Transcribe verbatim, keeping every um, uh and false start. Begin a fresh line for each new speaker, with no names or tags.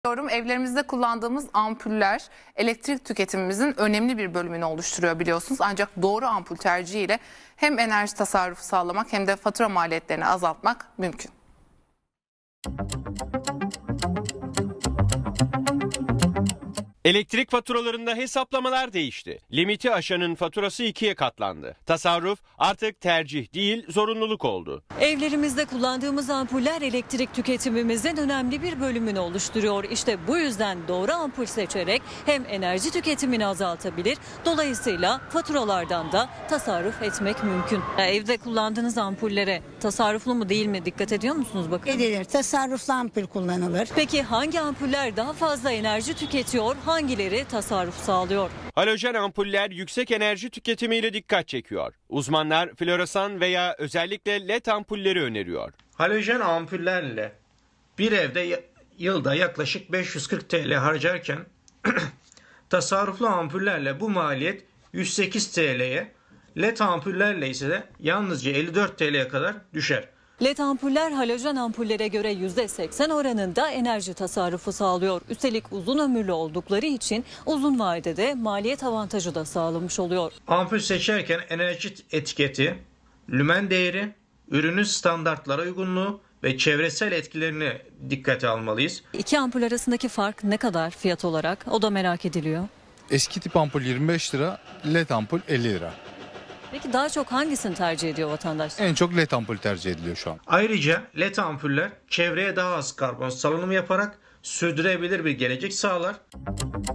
Evlerimizde kullandığımız ampuller elektrik tüketimimizin önemli bir bölümünü oluşturuyor biliyorsunuz. Ancak doğru ampul tercihiyle hem enerji tasarrufu sağlamak hem de fatura maliyetlerini azaltmak mümkün.
Elektrik faturalarında hesaplamalar değişti. Limiti aşanın faturası ikiye katlandı. Tasarruf artık tercih değil, zorunluluk oldu.
Evlerimizde kullandığımız ampuller elektrik tüketimimizin önemli bir bölümünü oluşturuyor. İşte bu yüzden doğru ampul seçerek hem enerji tüketimini azaltabilir, dolayısıyla faturalardan da tasarruf etmek mümkün. Evde kullandığınız ampullere tasarruflu mu değil mi dikkat ediyor musunuz bakın?
Edilir. Tasarruflu ampul kullanılır.
Peki hangi ampuller daha fazla enerji tüketiyor, hangileri tasarruf sağlıyor?
Halojen ampuller yüksek enerji tüketimiyle dikkat çekiyor. Uzmanlar floresan veya özellikle led ampulleri öneriyor.
Halojen ampullerle bir evde yılda yaklaşık beş yüz kırk TL harcarken tasarruflu ampullerle bu maliyet yüz sekiz TL'ye, led ampullerle ise de yalnızca elli dört TL'ye kadar düşer.
Led ampuller halojen ampullere göre yüzde seksen oranında enerji tasarrufu sağlıyor. Üstelik uzun ömürlü oldukları için uzun vadede maliyet avantajı da sağlamış oluyor.
Ampul seçerken enerji etiketi, lümen değeri, ürünün standartlara uygunluğu ve çevresel etkilerini dikkate almalıyız.
İki ampul arasındaki fark ne kadar fiyat olarak? O da merak ediliyor.
Eski tip ampul yirmi beş lira, led ampul elli lira.
Peki daha çok hangisini tercih ediyor vatandaş?
En çok led ampul tercih ediliyor şu an.
Ayrıca led ampuller çevreye daha az karbon salınımı yaparak sürdürülebilir bir gelecek sağlar.